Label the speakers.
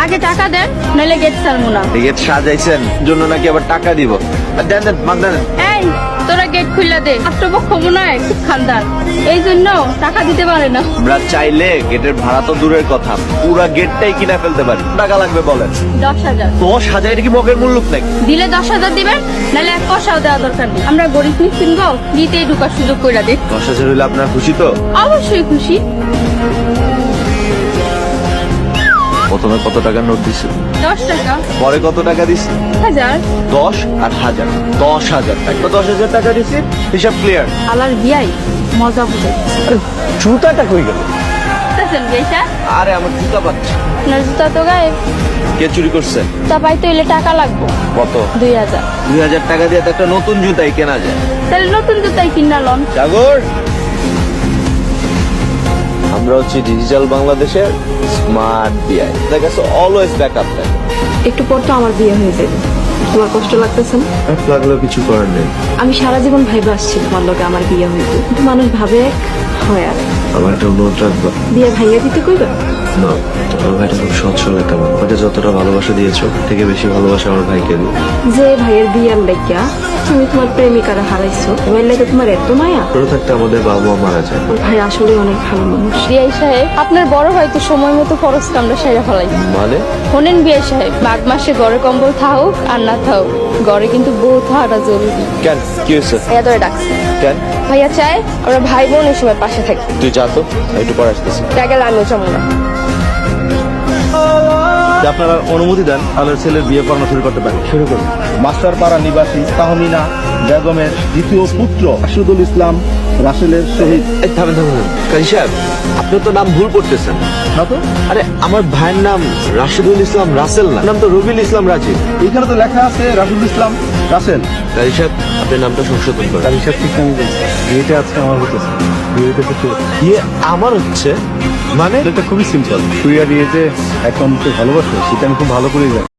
Speaker 1: আগে টাকা দেন, নইলে গেট ছাড়বো না।
Speaker 2: গেট সাজাইছেন জন্য নাকি আবার টাকা দিব? দেন দেন, মাগ দেন।
Speaker 1: এই তোরা গেট খুললা দে, রাষ্ট্রপক্ষ মনে হয় খুব খানদার, এই জন্য টাকা দিতে পারে না।
Speaker 2: আমরা চাইলে গেটের ভাড়া তো দূরের কথা, পুরা গেটটাই কিনা ফেলতে পারি। টাকা লাগবে বলেন।
Speaker 1: 10,000
Speaker 2: 10,000? এটা কি মগের মূল্য নাকি?
Speaker 1: দিলে 10,000 দিবেন, নাহলে 1 পয়সাও দেওয়া দরকার নেই। আমরা গরিব মিসকিন গো, দিতেই ঢুকার সুযোগ করে দিই।
Speaker 2: 10,000 হইলে আপনার খুশি তো?
Speaker 1: অবশ্যই খুশি।
Speaker 2: প্রথমে কত টাকার নোট দিছে?
Speaker 1: 10 টাকা।
Speaker 2: পরে কত টাকা দিছে?
Speaker 1: 1000।
Speaker 2: 10 আর 1000, 10,000 টাকা। তো 10,000 টাকা দিছি, হিসাব ক্লিয়ার।
Speaker 1: আলার বিয়াই মজা বুঝে।
Speaker 2: জুতাটা কই গেল?
Speaker 1: বুঝতেছেন বিয়েটা?
Speaker 2: আরে আমার জুতা পাচ্ছে।
Speaker 1: আপনার জুতা তো গায়েব।
Speaker 2: কে চুরি করছে?
Speaker 1: তা পাইতে হইলে টাকা লাগবে।
Speaker 2: কত?
Speaker 1: 2000।
Speaker 2: 2000 টাকা দিয়ে তো একটা নতুন জুতাই কেনা যায়।
Speaker 1: তাহলে নতুন জুতাই কিনা লন।
Speaker 2: সাগর, আমরা হচ্ছে ডিজিটাল বাংলাদেশের স্মার্ট বিআই। দেখা গেছে অলওয়েজ ব্যাকআপ থাকে।
Speaker 3: একটু পর তো আমার বিয়ে হয়ে যাবে, তোমার কষ্ট লাগতেছে না?
Speaker 2: লাগলেও কিছু করার নেই।
Speaker 3: আমি সারা জীবন ভাইবা আসছি তোমার লগে আমার বিয়ে হইবে, কিন্তু মানুষ ভাবে এক হয় আর
Speaker 2: আমার একটা অনুরোধ রাখবো।
Speaker 3: বিয়ে ভাইয়া দিতে কইবা?
Speaker 2: না, তোমার ভাইটা খুব সৎ সরল একটা মানুষ। আমাকে যতটা ভালোবাসা দিয়েছো থেকে বেশি ভালোবাসা আমার ভাইকে দিও।
Speaker 3: যে ভাইয়ের বিয়ার লাগিয়া তুমি তোমার প্রেমিকারা হারাইছো, এবার লাগে তোমার এত মায়া?
Speaker 2: ছোট থাকতে আমাদের বাবা মা মারা যায়।
Speaker 3: ওর ভাই আসলে অনেক ভালো মানুষ।
Speaker 1: বিআই সাহেব, আপনার বড় হয়তো সময় মতো খরচ কামড়া সেরে ফেলাই।
Speaker 2: মানে?
Speaker 1: শোনেন বিআই সাহেব, মাঘ মাসে ঘরে কম্বল থাকুক আর না থাকুক, ঘরে কিন্তু বউ থাকাটা জরুরি।
Speaker 2: কেন, কি হয়েছে?
Speaker 1: ভাইয়া ধরে ডাকছে।
Speaker 2: কেন?
Speaker 1: ভাইয়া চায় আমরা ভাই বোন এই সময় পাশে থাকি।
Speaker 2: তুই যা তো, আমি একটু পরে আসতেছি।
Speaker 1: গেলে আমিও জমো না।
Speaker 4: আপনারা অনুমতি দেন, তাহলে ছেলের বিয়ে পড়ানো শুরু করতে পারি। শুরু করুন। মাস্টারপাড়া নিবাসী তাহমিনা বেগমের দ্বিতীয় পুত্র রাশিদুল ইসলাম রাসেলের শহীদ।
Speaker 2: এই থামেন থামেন থামেন। কাজী সাহেব, আপনি তো নাম ভুল করতেছেন।
Speaker 4: না তো,
Speaker 2: আরে আমার ভাইয়ের নাম রাশিদুল ইসলাম রাসেল না, নাম তো রবিউল ইসলাম রাজীব।
Speaker 4: এখানে তো লেখা আছে রাশিদুল ইসলাম রাসেল।
Speaker 2: কাজী সাহেব, আপনি নামটা সংশোধন করেন।
Speaker 4: তার হিসাব ঠিক আমি বলছি, বিয়েটা আজকে আমার হতেছে। বিয়ে হইতেছে তোর।
Speaker 2: ইয়ে আমার হচ্ছে মানে?
Speaker 4: এটা খুবই সিম্পল। তুই আর ইয়ে যে এখন ভালোবাসো, সেটা আমি খুব ভালো করেই জানি।